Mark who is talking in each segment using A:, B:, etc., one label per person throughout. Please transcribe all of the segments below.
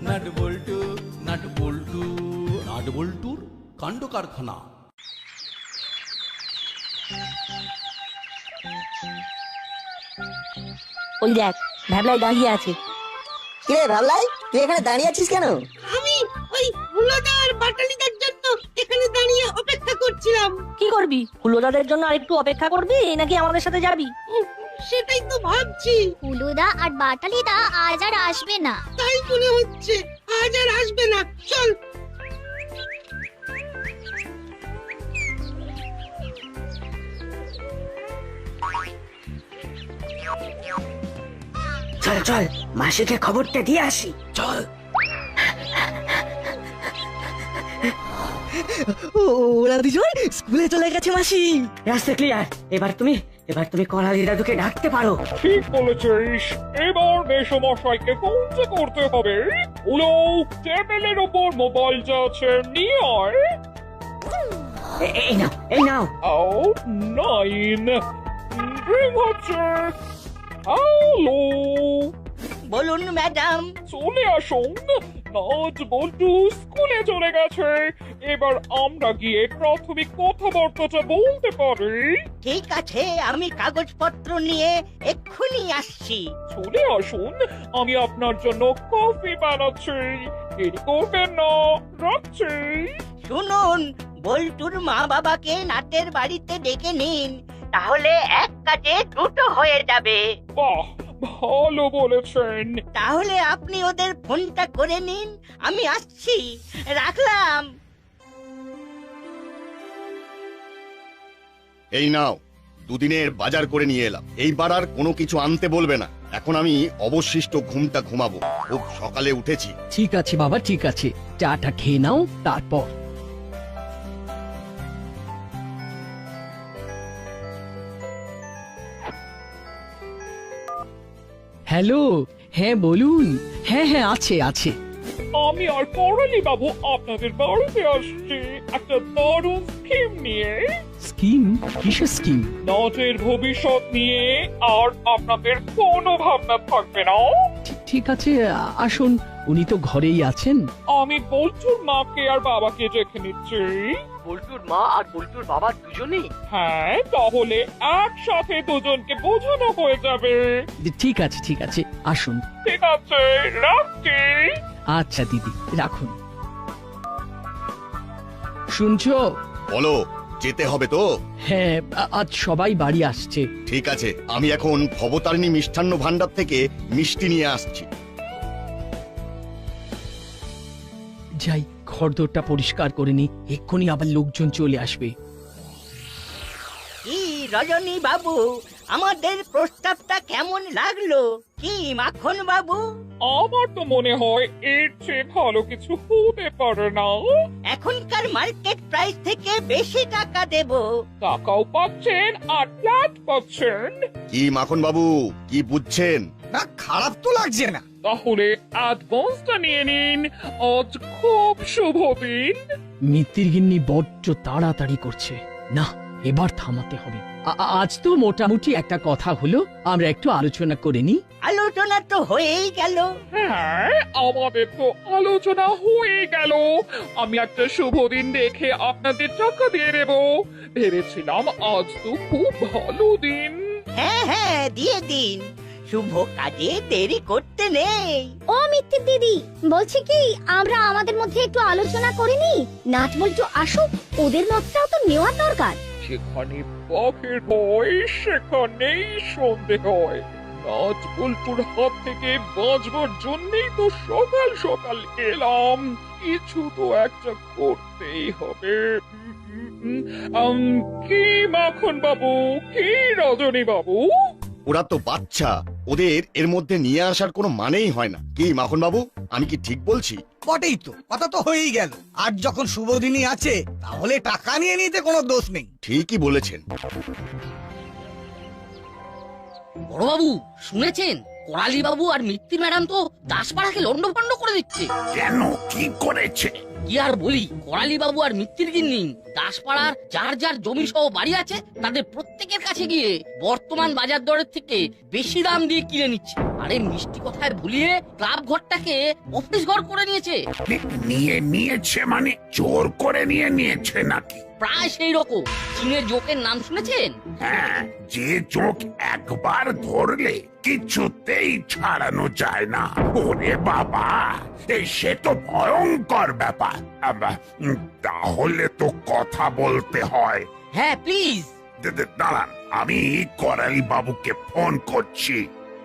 A: Nut বল্টু nut বল্টু nut বল্টুর কাণ্ড কারখানা।
B: ওই দেখ ভ্যাবলাই দাঁড়িয়ে আছে।
C: কিরে ভাবলাই, তুই এখানে দাঁড়িয়ে আছিস কেন?
D: আমি ওই হুলাদার বাটালিদের জন্য এখানে দাঁড়িয়ে অপেক্ষা করছিলাম।
B: কি করবি? হুলোদাদের জন্য আরেকটু অপেক্ষা করবি নাকি আমাদের সাথে যাবি?
D: সেটাই তো ভাবছি।
E: হুলুদা আর বাটালিদা আজ আর আসবে না।
D: তাই মনে হচ্ছে আজ আর আসবে না। চল।
C: চল চল, মাসিকে খবরটা দিয়ে আসি।
A: চল।
C: ওরা দুজন স্কুলে চলে গেছে মাসি। রাস্তা ক্লিয়ার। এবার তুমি করালি দাদুকে ডাকতে পারো।
F: ঠিক বলেছিস, এবার মেসমশাইকে ফোনটা করতে হবে। উলো, টেবিলের ওপর মোবাইল যা আছে নিয়ে আয়।
C: এই নাও।
F: ও 9 রিং হচ্ছে। হ্যালো,
D: বলুন ম্যাডাম।
F: চলে আসুন। নাট বল্টু স্কুলে চলে গেছে। এবার আমরা গিয়ে প্রাথমিক কথাবার্তাটা বলতে পারি।
D: ঠিক আছে, আমি কাগজপত্র নিয়ে এক্ষুনি আসছি।
F: চলে আসুন, আমি আপনার জন্য কফি বানাচ্ছি। দেরি করবেন না, রাখছি।
D: শুনুন, বল্টুর মা বাবাকে নাটের বাড়িতে ডেকে নিন, তাহলে এক কাজে দুটো হয়ে যাবে।
F: বাহ, ভালো বলেছেন।
D: তাহলে আপনি ওদের ফোনটা করে নিন, আমি আসছি। রাখলাম।
G: এই নাও, দুদিনের বাজার করে নিয়ে এলাম। এইবার আর কোনো কিছু আনতে বলবে না। এখন আমি অবশিষ্ট ঘুমটা ঘুমাবো, খুব সকালে উঠেছি।
H: ঠিক আছে বাবা, ঠিক আছে, চাটা খেয়ে নাও তারপর। হ্যালো, হ্যাঁ বলুন। হ্যাঁ আছে আছে।
F: আমি আর করালি বাবু আপনাদের বাড়িতে আসছি একটা দারুণ স্কিম নিয়ে।
H: স্কিম? কিসের স্কিম?
F: নাটের ভবিষ্যৎ নিয়ে আর আপনাদের কোনো ভাবনা থাকবে না।
H: ঠিক আছে, আসুন, উনি তো ঘরেই আছেন।
F: আমি বল্টুর মাকে আর বাবাকে দেখে নিচ্ছি।
I: বল্টুর মা আর বল্টুর বাবা দুজনেই?
F: হ্যাঁ, তাহলে একসাথে দুজনকে বোঝানো হয়ে যাবে।
H: ঠিক আছে ঠিক আছে, আসুন।
F: ঠিক আছে, রাখছি।
H: আচ্ছা দিদি, রাখুন। শুনছো?
G: বলো, যেতে হবে তো?
H: হ্যাঁ, আজ সবাই বাড়ি আসছে।
G: ঠিক আছে, আমি এখন ভবতারিণী মিষ্টান্ন ভান্ডার থেকে মিষ্টি নিয়ে আসছি।
H: যাই, ঘরদোরটা পরিষ্কার করে নি, এক্ষুনি আবার লোকজন চলে আসবে।
D: কি রজনী বাবু, আমাদের প্রস্তাবটা কেমন লাগলো? কি মাখন বাবু?
F: আমার তো মনে হয় এর চেয়ে ভালো কিছু হতে পারে না।
D: এখনকার মার্কেট প্রাইস থেকে বেশি টাকা দেব।
F: টাকাও পাচ্ছেন আর ফ্ল্যাট পাচ্ছেন।
G: কি মাখন বাবু, কি বুঝছেন?
J: না, খারাপ তো লাগছে না।
F: তাহলে অ্যাডভান্সটা নিয়ে নিন, আজ খুব শুভ দিন।
H: মিত্তির গিন্নি বড্ড তাড়াতাড়ি করছে, না এবার থামাতে হবে। আজ তো মোটামুটি একটা কথা হলো, আমরা একটু আলোচনা করে নি।
D: আলোচনা তো হয়েই গেল।
F: হ্যাঁ, আমাদের তো আলোচনা হয়ে গেল। আমি একটা শুভ দিন দেখে আপনাদের টাকা দিয়ে দেব। ভেবেছিলাম আজ তো খুব ভালো দিন।
D: হ্যাঁ, দিয়ে দিন। শুভ কাজে দেরি করতে নেই।
E: ও মিত্তির দিদি, বলছি কি আমরা আমাদের মধ্যে একটু আলোচনা করিনি? নাট বল্টু আসুক, ওদের মতটাও তো নেওয়া দরকার।
F: যেখানে বাঘের ভয় সেখানেই সন্দেহ হয়। নাচ বল্টুর হাত থেকে বাঁচবার জন্যই তো সকাল সকাল এলাম। কিছু তো একটা করতেই হবে। কি মাখন বাবু, কি রজনী বাবু?
G: ওরা তো বাচ্চা, ওদের এর মধ্যে নিয়ে আসার কোনো মানেই হয় না। কি মাখন বাবু, আমি কি ঠিক বলছি?
J: বটেই তো, কথা তো হয়েই গেল। আর যখন শুভ দিনই আছে, তাহলে টাকা নিয়ে নিতে কোনো দোষ নেই।
G: ঠিকই বলেছেন।
I: বড়বাবু, শুনেছেন করালি বাবু আর মিত্তি ম্যাডাম তো দাসপাড়াকে লন্ডভন্ড করে দিচ্ছে।
K: কেন, কি করেছে?
I: কি আর বলি, করালি বাবু আর মিত্তির গিন্নি দাসপাড়ার যার যার জমি সহ বাড়ি আছে তাদের প্রত্যেকের কাছে গিয়ে বর্তমান বাজার দরের থেকে বেশি দাম দিয়ে কিনে নিচ্ছে। আরে মিষ্টি কথায় ভুলিয়ে ক্লাব ঘরটাকে অফিস ঘর করে নিয়েছে।
K: নিয়েছে মানে জোর করে নিয়েছে নাকি?
I: প্রায় সেই রকম। চীনের জোকের নাম শুনেছেন?
K: হ্যাঁ, যে চোখ একবার ধরলে কিছুতেই ছাড়ানো যায় না। ওরে বাবা, সে তো ভয়ঙ্কর ব্যাপার। তাহলে তো কথা বলতে হয়।
I: হ্যাঁ প্লিজ।
K: দাঁড়ান, আমি করালি বাবুকে ফোন করছি।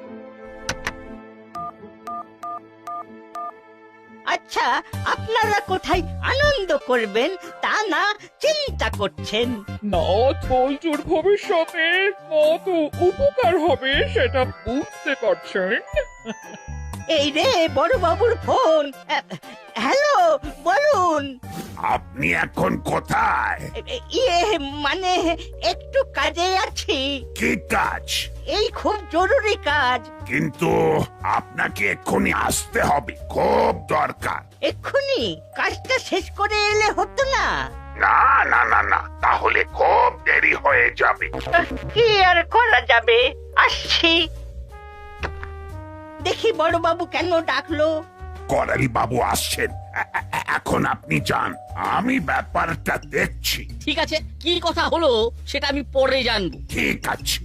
D: আচ্ছা, আপনারা কোথায় আনন্দ করবেন তা না চিন্তা করছেন?
F: নাট বল্টুর ভবিষ্যতে কত উপকার হবে সেটা বুঝতে পারছেন?
D: এই রে বড় বাবুর ফোন। হ্যালো, বলুন।
K: আপনি এখন কোথায়?
D: ইয়ে মানে একটু কাজে আছি।
K: কি কাজ?
D: এই খুব জরুরি কাজ।
K: কিন্তু আপনাকে এক্ষুনি আসতে হবে, খুব দরকার।
D: এক্ষুনি কাজটা শেষ করে এলে হতো না?
K: না না না না, তাহলে খুব দেরি হয়ে যাবে।
D: কি আর করা যাবে, আসছি। দেখি বড় বাবু কেন ডাকলো।
K: করালি বাবু আসছেন, এখন আপনি যান, আমি ব্যাপারটা দেখছি।
I: ঠিক আছে, কি কথা হলো সেটা আমি পরে জানবো।
K: ঠিক আছে।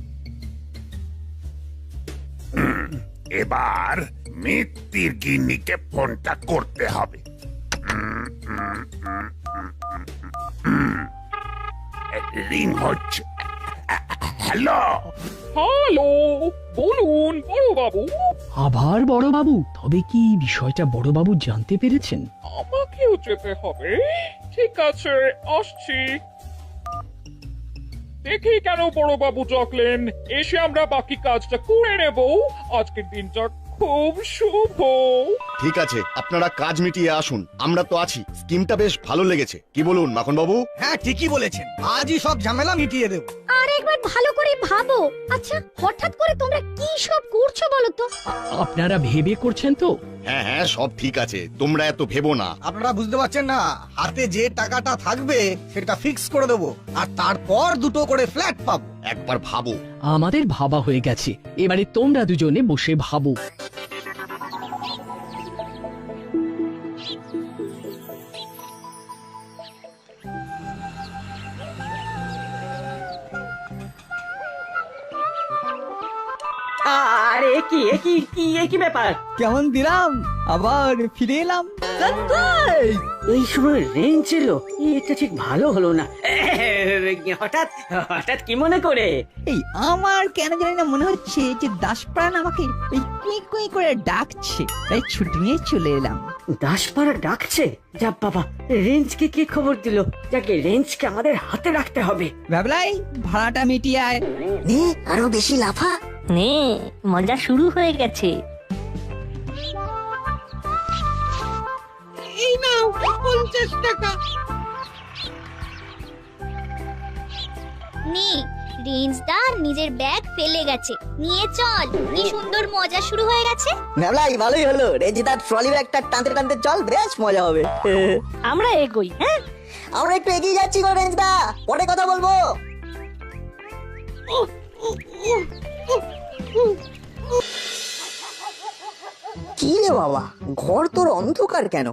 K: এবার মিত্তির গিন্নিকে ফোনটা করতে হবে। রিং হচ্ছে। হ্যালো
F: হ্যালো, বলুন বড় বাবু।
H: আবার বড় বাবু? তবে কি বিষয়টা বড় বাবু জানতে পেরেছেন?
F: আমাকেও যেতে হবে। ঠিক আছে, আসছি। দেখি কেন বড় বাবু ডাকলেন, এসে আমরা বাকি কাজটা করে নেব। আজকের দিনটা খুব শুভ।
G: ঠিক আছে, আপনারা কাজ মিটিয়ে আসুন, আমরা তো আছি। স্কিমটা বেশ ভালো লেগেছে, কি বলুন মাখন বাবু?
J: হ্যাঁ, ঠিকই বলেছেন, আজই সব ঝামেলা মিটিয়ে দেবো।
E: আর একবার ভালো করে ভাবো। আচ্ছা, হঠাৎ করে তোমরা কি সব করছো বলো তো?
H: আপনারা ভেবে করছেন তো?
G: হ্যাঁ হ্যাঁ, সব ঠিক আছে, তোমরা এত ভেবো না।
J: আপনারা বুঝতে পারছেন না, হাতে যে টাকাটা থাকবে সেটা ফিক্স করে দেবো, আর তারপর দুটো করে ফ্ল্যাট পাবো।
G: একবার ভাবো।
H: আমাদের ভাবা হয়ে গেছে, এবারে তোমরা দুজনে বসে ভাবো।
C: আরে কি ব্যাপার?
J: কেমন দিলাম, আবার ফিরে এলাম।
C: এই সময় রেঞ্জ এলো, এটা ঠিক ভালো হলো না। হঠাৎ হঠাৎ কি মনে করে?
L: এই আমার কেন জানি না মনে হচ্ছে যে দাসপ্রাণ আমাকে ওই কুই কুই করে ডাকছে, তাই ছুটি নিয়ে চলে এলাম।
C: দাসপাড়া ডাকছে? যা বাবা, রেঞ্জকে কি খবর দিল? যাকে রেঞ্জকে আমাদের হাতে রাখতে হবে।
L: ভাবলাই ভাড়াটা মিটিয়ে আয়।
E: নে আরো বেশি লাফা।
B: নে, মজা শুরু হয়ে গেছে।
L: এই নাও 50 টাকা।
E: নে, রেঞ্জদার নিজের ব্যাগ ফেলে গেছে, নিয়ে চল। কি সুন্দর মজা শুরু হয়ে গেছে।
L: ভাবলাই ভালোই হলো, রেঞ্জদার ট্রলি ব্যাগটা টানতে টানতে চল, বেশ মজা হবে।
B: আমরা এগোই। হ্যাঁ,
L: আমরা একটু এগিয়ে যাচ্ছি গো রেঞ্জদা, পরে কথা বলবো। কি রে বাবা, ঘর তোর অন্ধকার কেন?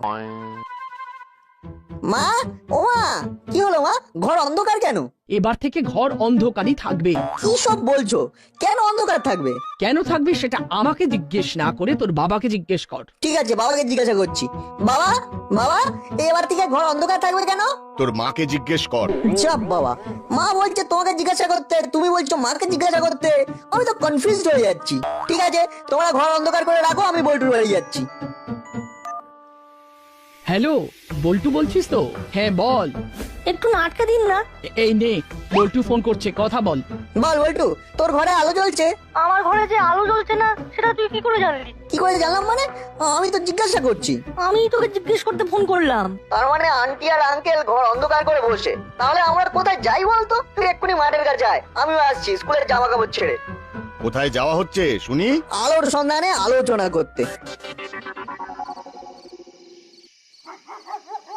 L: মা, ও মা, কি হলো মা, ঘর অন্ধকার কেন?
H: এবার থেকে ঘর অন্ধকারই থাকবে।
L: কি সব বলছো? কেন অন্ধকার থাকবে?
H: কেন থাকবে সেটা আমাকে জিজ্ঞেস না করে তোর বাবাকে জিজ্ঞেস কর।
L: ঠিক আছে, বাবাকে জিজ্ঞাসা করছি। বাবা, বাবা, এবার থেকে ঘর অন্ধকার থাকবে কেন?
G: তোর মাকে জিজ্ঞেস কর।
L: চাপ বাবা, মা বলছে তোমাকে জিজ্ঞাসা করতে, তুমি বলছো মাকে জিজ্ঞাসা করতে, আমি তো কনফিউজড হয়ে যাচ্ছি। ঠিক আছে, তোমরা ঘর অন্ধকার করে রাখো, আমি বল্টুর বাড়ি যাচ্ছি।
H: হ্যালো, বল্টু বলছিস তো? হ্যাঁ বল।
B: একটু নাটকা দিন না।
H: এই নে, বল্টু ফোন করছে, কথা বল।
L: বল বল্টু, তোর ঘরে আলো জ্বলছে।
B: আমার ঘরে যে আলো জ্বলছে না সেটা তুই কি করে জানলি?
L: কি করে জানলাম মানে? আমি তো জিজ্ঞাসা করছি।
B: আমি তোকে জিজ্ঞেস করতে ফোন করলাম।
L: তার মানে আন্টি আর আঙ্কেল ঘর অন্ধকার করে বসে। তাহলে আমরা কোথায় যাই বলতো? তুই এক্ষুনি মাঠের কাছে আয়, আমিও আসছি স্কুলের জামা কাপড় ছেড়ে।
G: কোথায় যাওয়া হচ্ছে শুনি?
L: আলোর সন্ধানে আলোচনা করতে।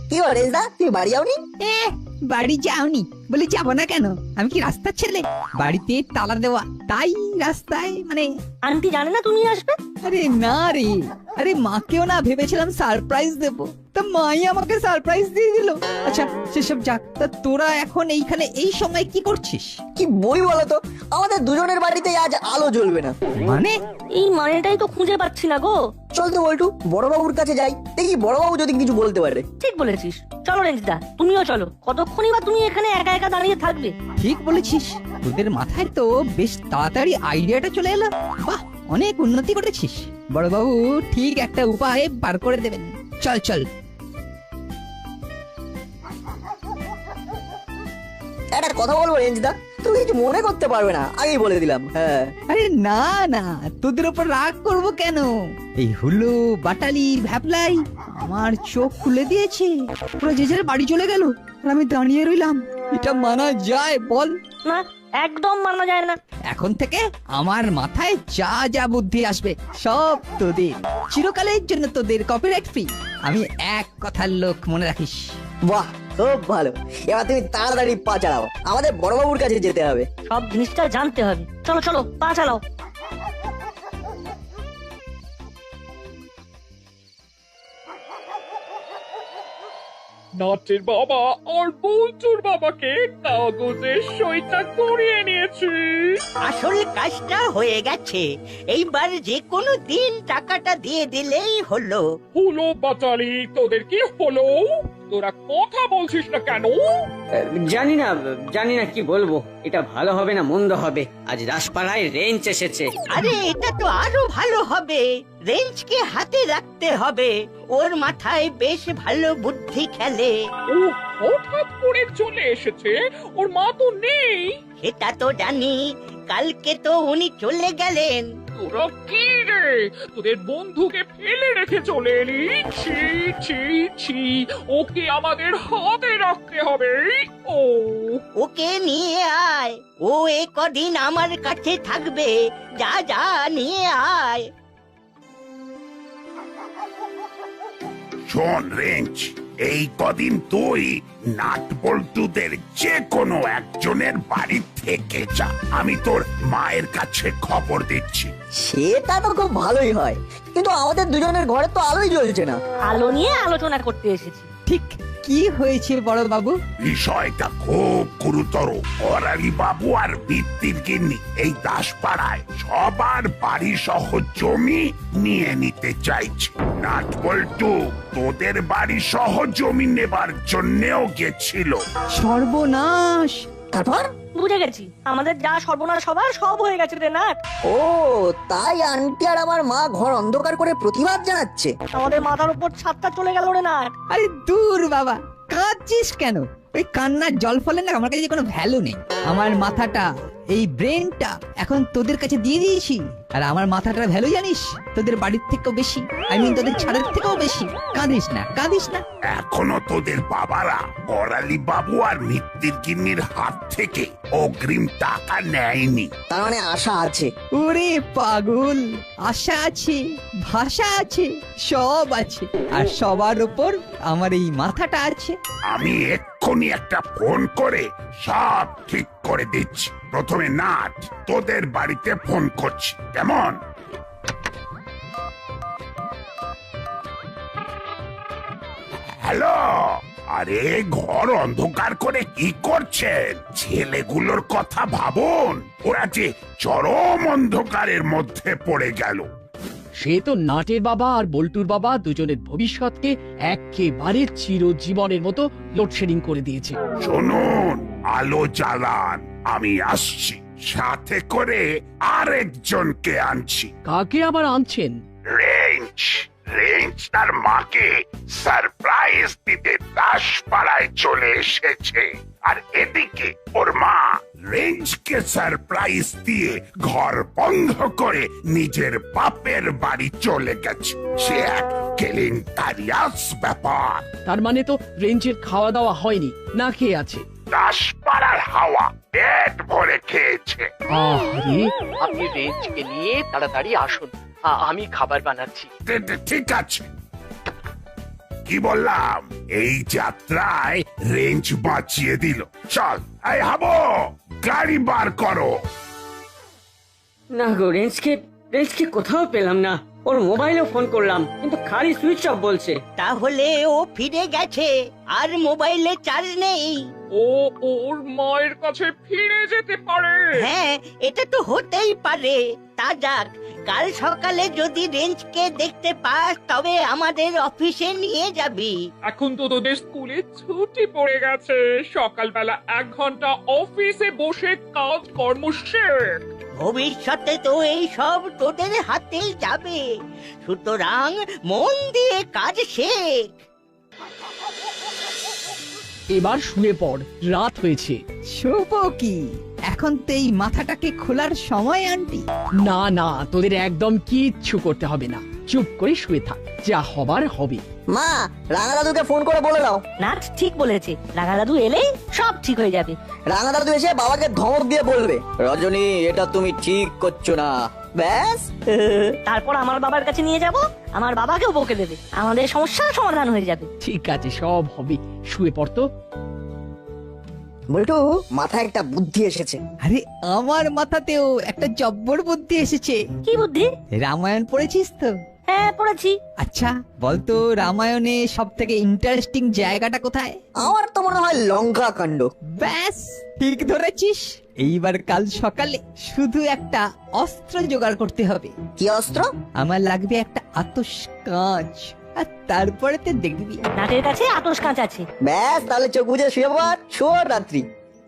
L: কি বলে দা, তুমি বাড়ি যাওনি?
M: বাড়ি যাওনি বলে যাবো না কেন? আমি কি রাস্তার ছেলে? বাড়িতে তালা দেওয়া, তাই রাস্তায় মানে।
B: আন্টি জানে না তুমি আসবে?
M: আরে না রে, আরে মাকেও না ভেবেছিলাম সারপ্রাইজ দেবো, তা মাই আমাকে সারপ্রাইজ দিয়ে দিল। আচ্ছা সেসব যাক, তা তোরা এখন এইখানে এই সময় কি করছিস?
L: কি বই বলো তো, আমাদের দুজনের বাড়িতে আজ আলো জ্বলবে না।
M: মানে?
B: এই মানেটাই তো খুঁজে পাচ্ছি না গো।
L: চল তো বল্টু, বড়বাবুর কাছে যাই, দেখি বড়বাবু যদি কিছু বলতে পারে।
B: ঠিক বলেছিস, চলো রেঞ্জদা, তুমিও চলো। কতক্ষণই বা তুমি এখানে একা একা দাঁড়িয়ে থাকবে?
M: ঠিক বলেছিস, তোদের মাথায় তো বেশ তাড়াতাড়ি আইডিয়াটা চলে এলো। বাহ, অনেক উন্নতি করেছিস। বড়বাবু ঠিক একটা উপায় বার করে দেবেন। চল চল।
L: একটা কথা বলবো রেঞ্জদা, তুমি কিছু মনে করতে পারবে না, আগেই বলে দিলাম। হ্যাঁ।
M: আরে না না, তোদের উপর রাগ করব কেন? এই হুলো বাটালি ভ্যাপলাই আমার চোখ খুলে দিয়েছে, পুরো যে যার বাড়ি চলে গেল আর আমি দাঁড়িয়ে রইলাম। এটা মানা যায় বল?
B: না, একদম মানা যায় না।
M: এখন থেকে আমার মাথায় যা যা বুদ্ধি আসবে সব তোদের, চিরকালের জন্য তোদের কপিরাইট ফ্রি। আমি এক কথার লোক, মনে রাখিস।
L: বাহ, খুব ভালো। এবার তুমি তাড়াতাড়ি পা চালাও, আমাদের বড়বাবুর কাছে যেতে হবে।
B: সব জিনিসটা জানতে হবে। চলো চলো, পা চালাও।
F: নাটের বাবা আর বল্টুর বাবাকে কাগজে সইটা করিয়ে নিয়েছি।
D: আসল কাজটা হয়ে গেছে, এইবার যে কোনো দিন টাকাটা দিয়ে দিলেই হলো।
F: হলো বাচালি, তোদের কি হলো? তোরা কথা বলছিস না কেন?
C: জানি না কি বলবো। এটা ভালো হবে না মন্দ হবে, আজ রাসপাড়ায় রেঞ্চ এসেছে।
D: আরে এটা তো আরো ভালো হবে, রেঞ্জকে হাতে রাখতে হবে, ওর মাথায় বেশ ভালো বুদ্ধি খেলে।
F: ও হঠাৎ করে চলে এসেছে, ওর মা তো নেই।
D: সেটা তো জানি, কালকে তো উনি চলে গেলেন।
F: তোরা কি রে, তোদের বন্ধুকে ফেলে রেখে চলে এলি? ছি ছি ছি, ওকে আমাদের হাতে রাখতে হবে। ও
D: ওকে নিয়ে আয়, ও এ কদিন আমার কাছে থাকবে। যা যা নিয়ে আয়।
K: শোন রেঞ্জ, এই কদিন তুই নাট বল্টুদের যে কোনো একজনের বাড়ি থেকে যা, আমি তোর মায়ের কাছে খবর দিচ্ছি।
L: সেটা তো খুব ভালোই হয়, কিন্তু আমাদের দুজনের ঘরে তো আলোই জ্বলছে না।
B: আলো নিয়ে আলোচনা করতে এসেছি।
M: ঠিক কি হয়েছে বড় বাবু?
K: বিষয়টা খুব গুরুতর। করালি বাবু আর ভিত্তির গিন্নি এই দাসপাড়ায় সবার বাড়ি সহ জমি নিয়ে নিতে চাইছে। নাট বল্টু তোদের বাড়ি সহ জমি নেবার জন্যেও গেছিল।
M: সর্বনাশ!
L: তারপর?
B: বুঝে গেছি, আমাদের যা সর্বনাশ সবার সব হয়ে গেছে রে নাট।
L: ও তাই আন্টি আর আমার মা ঘর অন্ধকার করে প্রতিবাদ জানাচ্ছে।
B: আমাদের মাথার উপর ছাদটা চলে গেল রে নাট।
M: আরে দূর বাবা, কাঁদছিস কেন? ওই কান্নার জল ফলে না আমার কাছে কোনো ভ্যালু নেই। আমার মাথাটা, এই ব্রেনটা এখন তোদের কাছে দিয়ে দিয়েছি, আর আমার মাথাটার ভ্যালু জানিস তোদের বাড়ির থেকেও বেশি, তোদের ছাদের থেকেও বেশি। কাঁদিস না, কাঁদিস না।
K: এখনো তোদের বাবারা করালি বাবু আর মিত্তির গিন্নির হাত থেকে অগ্রিম টাকা নেয়নি।
L: তার মানে আশা আছে?
M: ওরে পাগল, আশা আছে, ভাষা আছে, সব আছে, আর সবার উপর আমার এই মাথাটা আছে।
K: আমি এক্ষুনি একটা ফোন করে সব ঠিক করে দিচ্ছি। প্রথমে নাট তোদের বাড়িতে ফোন করছি, কেমন? হ্যালো, আরে ঘর অন্ধকার করে কি করছেন? ছেলেগুলোর কথা ভাবুন, ওরা যে চরম অন্ধকারের মধ্যে পড়ে গেল।
H: সে তো নাটের বাবা আর বল্টুর বাবা দুজনের ভবিষ্যৎকে একেবারে চিরজীবনের মতো লোডশেডিং করে দিয়েছে।
K: শুনুন, আলো জ্বালান, আমি আসছি, সাথে করে আরেকজনকে আনছি।
H: কাকে আবার আনছেন?
K: রেঞ্জ তার মাকে সারপ্রাইজ দিতে দাসপাড়ায় চলে এসেছে, আর এদিকে ওর মা রেঞ্জকে সারপ্রাইজ দিয়ে ঘর বন্ধ করে নিজের বাপের বাড়ি চলে গেছে। সে এক কেলেঙ্কারিয়াস ব্যাপার।
H: তার মানে তো রেঞ্জের খাওয়া দাওয়া হয়নি, না খেয়ে আছে।
K: দাসপাড়ার হাওয়া পেট ভরে খেয়েছে।
H: আরে আপনি রেঞ্জকে নিয়ে তাড়াতাড়ি আসুন, আমি খাবার বানাচ্ছি।
K: ঠিক আছে। কি বললাম? এই যাত্রায় রেঞ্জ বাঁচিয়ে দিল। চল, এই হাবো, গাড়ি বার করো।
C: না গো, রেঞ্জকে কোথাও পেলাম না। ওর মোবাইলেও ফোন করলাম, কিন্তু খালি সুইচ অফ বলছে।
D: তাহলে ও ফিরে গেছে, আর মোবাইলে চার্জ নেই।
F: ও ওর মায়ের কাছে ফিরে যেতে পারে।
D: হ্যাঁ, এটা তো হতেই পারে। তা যাক, কাল সকালে যদি রেঞ্জকে দেখতে পাস তবে আমাদের অফিসে নিয়ে যাবি।
F: এখন তো তোদের স্কুলে ছুটি পড়ে গেছে, সকালবেলা 1 ঘন্টা অফিসে বসে কাজ কর্ম শেখ।
D: ভবিষ্যতে তো এই সব তোদের হাতেই যাবে, সুতরাং মন দিয়ে কাজ শেখ।
H: এবার শুয়ে পড়, রাত হয়েছে।
M: শোবো কি? এখন তো এই মাথাটাকে খোলার সময় আন্টি।
H: না না, তোদের একদম কিচ্ছু করতে হবে না, চুপ করে শুয়ে থাক, যা হবার হবে।
L: মা, রাঙা দাদুকে ফোন করে বলে দাও।
B: নাট ঠিক বলেছে, রাঙা দাদু এলেই সব ঠিক হয়ে যাবে।
L: রাঙা দাদু এসে বাবাকে ধমক দিয়ে বলবে, রজনী এটা তুমি ঠিক করছো না, ব্যাস।
B: তারপর আমার বাবার কাছে নিয়ে যাব, আমার বাবাকেও বকে দেবে, আমাদের সমস্যার সমাধান হয়ে যাবে।
H: ঠিক আছে, সব হবে, শুয়ে পড় তো।
L: বল্টু, মাথায় একটা বুদ্ধি এসেছে।
M: আরে আমার মাথাতেও একটা জব্বর বুদ্ধি এসেছে।
B: কি বুদ্ধি?
M: রামায়ণ পড়েছিস তো?
B: হ্যাঁ, পড়েছি।
M: আচ্ছা বলতো, রামায়ণে সব থেকে ইন্টারেস্টিং জায়গাটা কোথায়?
L: আমার তো মনে হয় লঙ্কা কাণ্ড।
M: ব্যাস ঠিক ধরেছিস। এইবার কাল সকালে শুধু একটা অস্ত্র জোগাড় করতে হবে।
L: কি অস্ত্র?
M: আমার লাগবে একটা আতস কাঁচ, আর তারপরে তো দেখবি
B: নাটের কাছে আতস কাঁচ আছে।
L: ব্যাস, তাহলে চোখ বুঝে শুয়ে পড়, শুভ রাত্রি।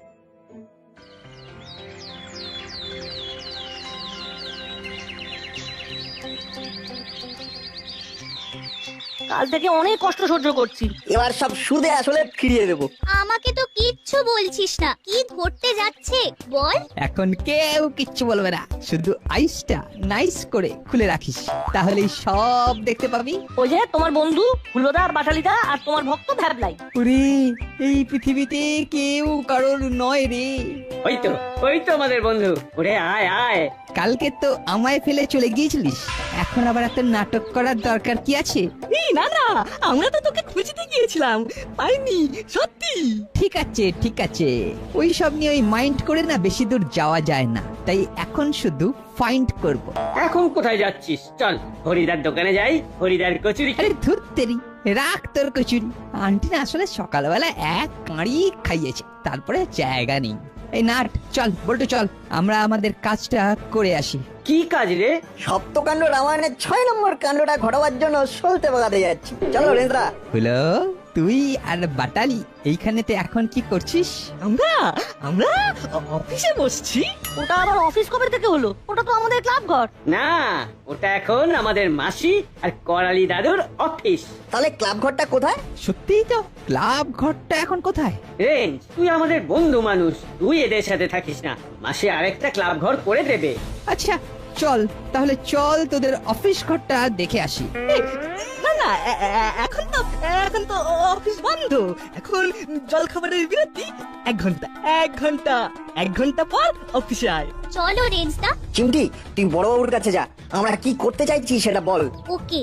B: কাল থেকে অনেক কষ্ট সহ্য করছি,
L: এবার সব সুদে আসলে ফিরিয়ে দেবো।
E: আমাকে তো কিচ্ছু বলছিস না, কি ঘটতে যাচ্ছে বল।
M: এখন কেউ কিচ্ছু বলবে না, শুধু আইসটা নাইস করে খুলে রাখিস, তাহলেই সব দেখতে পাবি।
B: ওই যে তোমার বন্ধু হুলোদা, বাটালিদা আর তোমার ভক্ত ভ্যাবলাই।
M: ওরে, এই পৃথিবীতে কেউ কারোর নয় রে।
C: ওই তো আমাদের বন্ধু। ওরে আয় আয়।
M: কালকে তো আমায় ফেলে চলে গিয়েছিলিস, এখন আবার এত নাটক করার দরকার কি আছে?
B: না না, আমরা তো তোকে খুঁজতে গিয়েছিলাম, পাইনি সত্যি।
M: ঠিক আছে ঠিক আছে, ওই সব নিয়ে ওই মাইন্ড করে না বেশি দূর যাওয়া যায় না, তাই এখন শুধু ফাইন্ড করব।
C: এখন কোথায় যাচ্ছিস? চল হরিদার দোকানে যাই, হরিদার কচুরি।
M: আরে ধুত্তেরি, রাখ তোর কচুরি। আন্টি না আসলে সকালবেলা এক কাঁড়ি খাইয়েছে, তারপরে জায়গা নেই। এই নাট, চল বল্টু চল, আমরা আমাদের কাজটা করে আসি।
L: কি কাজ রে? সপ্তকাণ্ড রামায়ণের 6 নম্বর কাণ্ডটা ঘটাবার জন্য সলতে বাগাতে যাচ্ছি। চলো রেন্দ্রা।
M: হলো, তুই আর বাটালি এইখানেতে এখন কি করছিস?
B: আমরা অফিসে বসছি। ওটা আবার অফিস কবে থেকে হলো? ওটা তো আমাদের ক্লাব ঘর।
C: না, ওটা এখন আমাদের মাসি আর করালি দাদুর অফিস।
L: তাহলে ক্লাব ঘরটা কোথায়?
M: সত্যিই তো, ক্লাব ঘরটা এখন কোথায়?
C: রেঞ্জ, তুই আমাদের বন্ধু মানুষ, তুই এদের সাথে থাকিস না, মাসি আরেকটা ক্লাব ঘর করে দেবে।
M: আচ্ছা চল, তাহলে চল তোদের অফিস ঘরটা দেখে আসি।
B: না না, এখন তো অফিস বন্ধ, এখন জল খাবারের বিরতি। 1 ঘন্টা পর অফিসে আয়।
E: চলো রেঞ্জদা।
L: চিমটি, তুই বড়বাবুর কাছে যা, আমরা কি করতে চাইছি সেটা বল।
E: ওকে।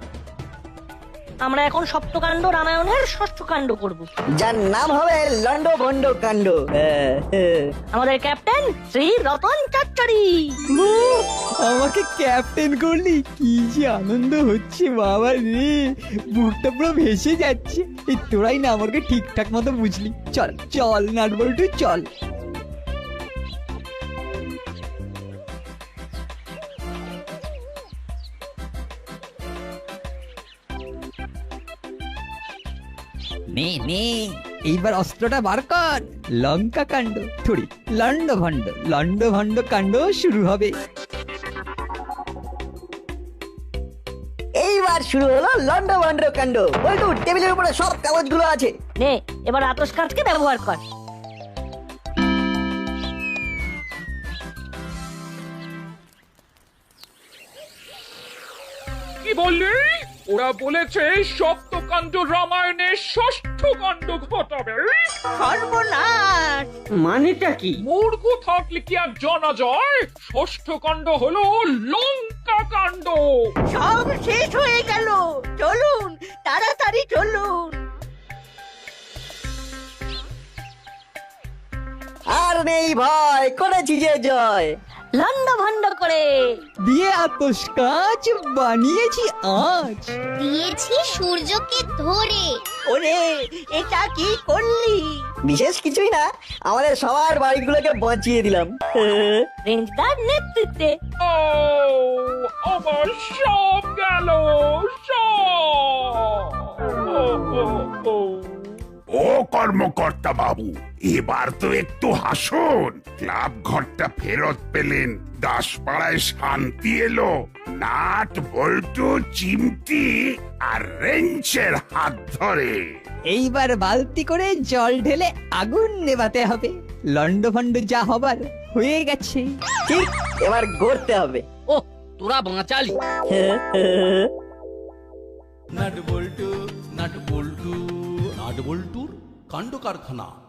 B: আমরা এখন সপ্তকাণ্ড রামায়ণের 6ষ্ঠ কাণ্ড করব,
L: যার নাম হবে লন্ড ভন্ড কাণ্ড।
B: আমাদের ক্যাপ্টেন শ্রী রতন চচ্চড়ি।
M: আমাকে ক্যাপ্টেন করলি, কি যে আনন্দ হচ্ছে বাবা রে, বুকটা পুরো ভেসে যাচ্ছে। এই তোরাই না আমাকে ঠিকঠাক মতো বুঝলি। চল চল নাট বল্টু চল। নে নে, এইবার অস্ত্রটা বার কর। লঙ্কা কাণ্ড থুড়ি, লন্ড ভন্ড কাণ্ড শুরু হবে।
L: এইবার শুরু হলো লন্ড ভন্ড কাণ্ড। বল্টু, টেবিলের উপরে সব কাগজগুলো আছে।
B: নে, এবার আতস কাঁচকে ব্যবহার কর।
F: কি বললি? ওরা বলেছে সপ্তকাণ্ড রামায়ণের ষষ্ঠ কাণ্ড ঘটাবে।
D: সর্বনাশ!
C: মানেটা কি?
F: মূর্খ থাকলে কি আর জানা যায়? ষষ্ঠ কাণ্ড হলো লঙ্কা কাণ্ড।
D: সব শেষ হয়ে গেল। চলুন, তাড়াতাড়ি চলুন।
L: আর নেই ভয়, করেছি যে জয়।
E: লন্ড ভন্ড করে
M: দিয়ে আতস কাজ বানিয়েছি আজ।
E: দিয়েছি সূর্যকে ধরে।
D: ওরে, এটা কি করলি?
L: বিশেষ কিছুই না, আমাদের সবার বাড়িগুলোকে বাঁচিয়ে দিলাম।
E: রেঞ্জদার নেতৃত্বে।
F: ও আমার সব গেল, সব।
K: ও কর্মকর্তা বাবু, এবার তো একটু হাসুন। ক্লাব ঘরটা ফেরত পেলেন, দাসপাড়ায় শান্তি এলো, নাট বল্টু চিমটি আর রেঞ্চের হাত ধরে।
M: এইবার বালতি করে জল ঢেলে আগুন নেভাতে হবে। লন্ড ভন্ড যা হবার হয়ে গেছে।
L: ঠিক, এবার গড়তে হবে।
I: ও তোরা বাঁচালি।
A: নাট বল্টু নাট বল্টুর কাণ্ড কারখানা।